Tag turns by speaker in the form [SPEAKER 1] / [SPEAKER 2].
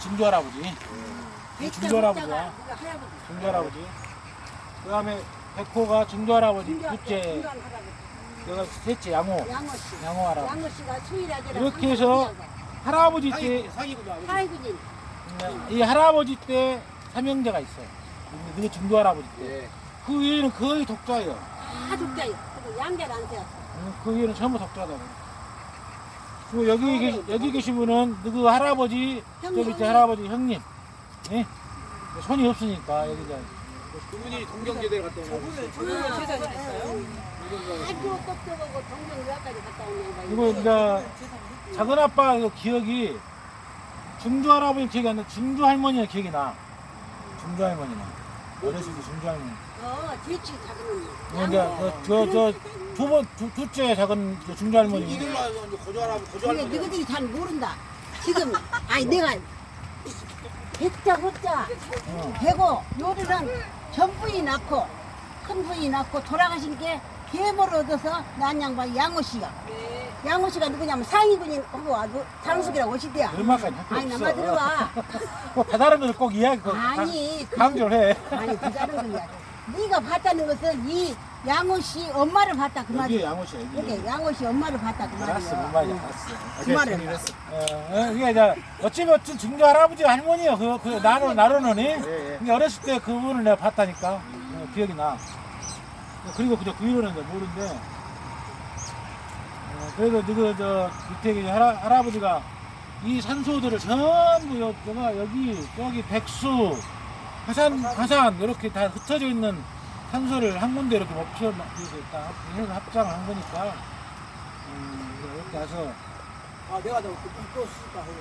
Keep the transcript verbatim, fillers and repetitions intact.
[SPEAKER 1] 증조 할아버지. 이 증조 할아버지야.
[SPEAKER 2] 이거 할아버지.
[SPEAKER 1] 증조 할아버지. 그 다음에 백호가 증조 할아버지
[SPEAKER 2] 중조-
[SPEAKER 1] 둘째,
[SPEAKER 2] 중조한 할아버지.
[SPEAKER 1] 내가 셋째 양호.
[SPEAKER 2] 양호 씨.
[SPEAKER 1] 양호 할아버지.
[SPEAKER 2] 양호 씨가 수일아들.
[SPEAKER 1] 이렇게 해서 할아버지 때,
[SPEAKER 2] 사이구진.
[SPEAKER 1] 이 할아버지 때 삼형제가 있어요. 그 증조 할아버지 때. 그 위에는 거의 독자예요.
[SPEAKER 2] 다 독자요. 그리고 양자를 안 세웠어.
[SPEAKER 1] 그 위에는 전부 독자다. 그리고 여기 계시, 여기 계신 분은 그 할아버지, 저
[SPEAKER 2] 형님.
[SPEAKER 1] 밑에 할아버지 형님. 예? 손이 없으니까 여기 이제
[SPEAKER 3] 그분이 동경제대 갔다 온 거지.
[SPEAKER 2] 저는 재산이 있어요? 아주 똑똑하고 동명유학까지 갔다 온 양반이.
[SPEAKER 1] 그리고 이제 작은 아빠 그 기억이 중조 할아버지 기억이 안 나. 중조 할머니가 기억이 나. 중조 할머니나. 어렸을 때 중조 할머니.
[SPEAKER 2] 어, 뒤치 작은
[SPEAKER 1] 그러니까 저저 두 번 두, 둘째 작은 그 중조 할머니.
[SPEAKER 3] 이들로 와서 이제 고조하라고
[SPEAKER 2] 근데
[SPEAKER 3] 고조하는 거야.
[SPEAKER 2] 너희들이 잘 모른다. 지금 아니 내가 백자 호자 되고 요리는 전부이 낳고 큰 부이 낳고 돌아가신 게 계모를 얻어서 난 양반 양호 씨가 양호 씨가 누구냐면 상위군인 하고 와도 장숙이라고 오시대요.
[SPEAKER 1] 얼마까지 할거
[SPEAKER 2] 아니
[SPEAKER 1] 없어.
[SPEAKER 2] 나만 들어와.
[SPEAKER 1] 꼭 다른 것을 꼭 이야기 꼭
[SPEAKER 2] 아니 그-
[SPEAKER 1] 강조를 해.
[SPEAKER 2] 아니 그 다른 거야. 네가 봤다는 것은 이 양호 씨 엄마를 봤다 그
[SPEAKER 1] 여기
[SPEAKER 2] 말이야.
[SPEAKER 1] 양호씨 여기.
[SPEAKER 2] 이게 양호 씨 엄마를 봤다 그
[SPEAKER 1] 알았어, 뭔
[SPEAKER 2] 말이야.
[SPEAKER 1] 말이야, 알았어.
[SPEAKER 2] 그 말은
[SPEAKER 1] 어, 어, 이게 이제 어찌면 어찌 중조 할아버지 할머니요. 그, 그 나로 나로는 이. 근데 어렸을 때 그분을 내가 봤다니까 어, 기억이 나. 그리고 그저 그 이후로는 이제 모르는데. 어, 그래도 너그 저 밑에 계신 할아, 할아버지가 이 산소들을 전부 여, 여가 여기 여기 백수 화산 화산 이렇게 다 흩어져 있는 산소를 한 군데 이렇게 멈춰 이렇게 딱 해서 합장을 한 거니까 음, 이렇게 해서
[SPEAKER 3] 아, 내가 너 이거 쓰니까.